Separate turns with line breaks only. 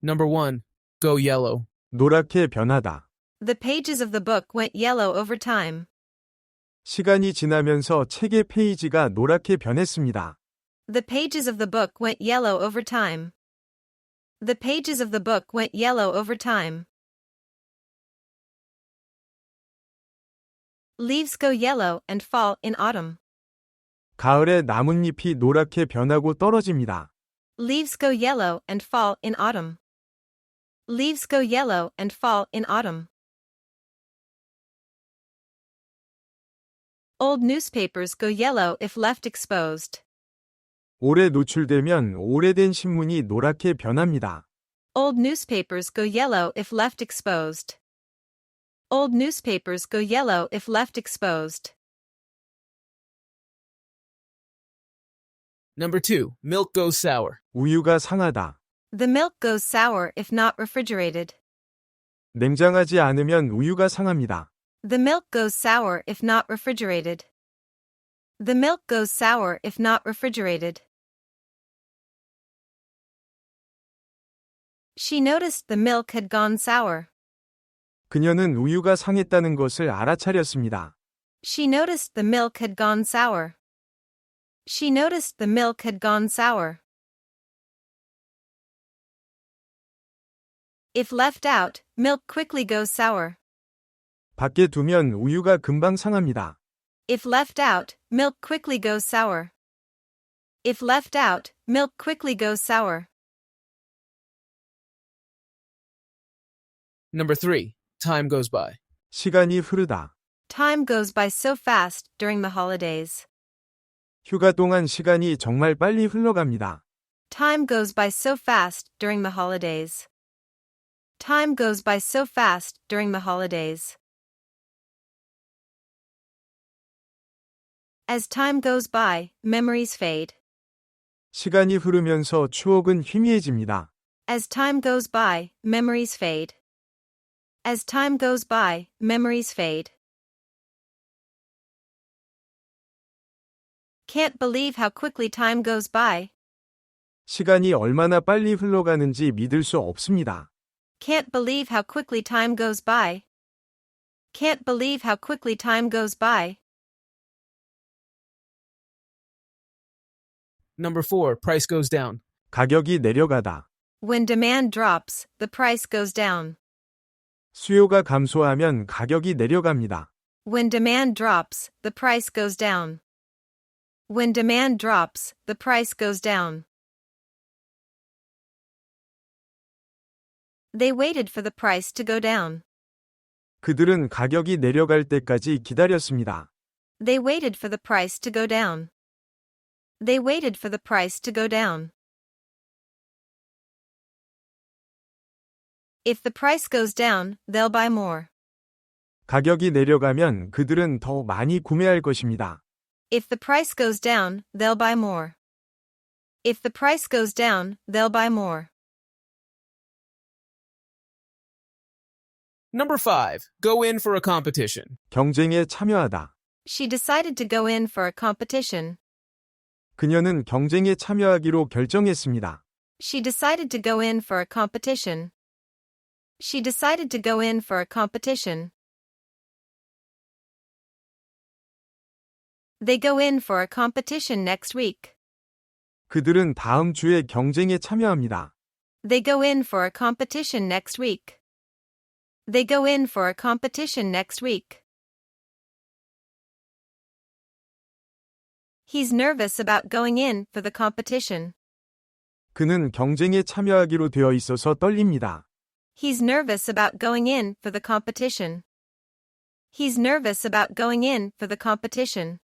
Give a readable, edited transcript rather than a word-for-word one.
Number 1. Go yellow.
노랗게 변하다.
The pages of the book went yellow over time.
시간이 지나면서 책의 페이지가 노랗게 변했습니다.
The pages of the book went yellow over time. The pages of the book went yellow over time. Leaves go yellow and fall in autumn.
가을에 나뭇잎이 노랗게 변하고 떨어집니다.
Leaves go yellow and fall in autumn. Leaves go yellow and fall in autumn. Old newspapers go yellow if left exposed.
오래 노출되면 오래된 신문이 노랗게 변합니다.
Old newspapers go yellow if left exposed. Old newspapers go yellow if left exposed.
Number 2. Milk goes sour.
우유가 상하다.
The milk goes sour if not refrigerated.
냉장하지 않으면 우유가 상합니다.
The milk goes sour if not refrigerated. The milk goes sour if not refrigerated. She noticed the milk had gone sour.
그녀는 우유가 상했다는 것을 알아차렸습니다.
She noticed the milk had gone sour. She noticed the milk had gone sour. If left out, milk quickly goes sour.
밖에 두면 우유가 금방 상합니다.
If left out, milk quickly goes sour. If left out, milk quickly goes sour.
Number 3. Time goes by.
시간이 흐르다.
Time goes by so fast during the holidays.
휴가 동안 시간이 정말 빨리 흘러갑니다.
Time goes by so fast during the holidays. Time goes by so fast during the holidays. As time goes by, memories fade.
시간이 흐르면서 추억은 희미해집니다.
As time goes by, memories fade. As time goes by, memories fade. Can't believe how quickly time goes by.
시간이 얼마나 빨리 흘러가는지 믿을 수 없습니다.
Can't believe how quickly time goes by. Can't believe how quickly time goes by.
Number 4. Price goes down.
가격이 내려가다.
When demand drops, the price goes down.
수요가 감소하면 가격이 내려갑니다.
When demand drops, the price goes down. When demand drops, the price goes down. They waited for the price to go down.
그들은 가격이 내려갈 때까지 기다렸습니다.
They waited for the price to go down. They waited for the price to go down. If the price goes down, they'll buy more.
가격이 내려가면 그들은 더 많이 구매할 것입니다.
If the price goes down, they'll buy more. If the price goes down, they'll buy more.
Number 5. Go in for a competition.
경쟁에 참여하다.
She decided to go in for a competition.
그녀는 경쟁에 참여하기로 결정했습니다.
She decided to go in for a competition. She decided to go in for a competition. They go in for a competition next week.
그들은 다음 주에 경쟁에 참여합니다.
They go in for a competition next week. They go in for a competition next week. He's nervous about going in for the competition.
그는 경쟁에 참여하기로 되어 있어서 떨립니다.
He's nervous about going in for the competition. He's nervous about going in for the competition.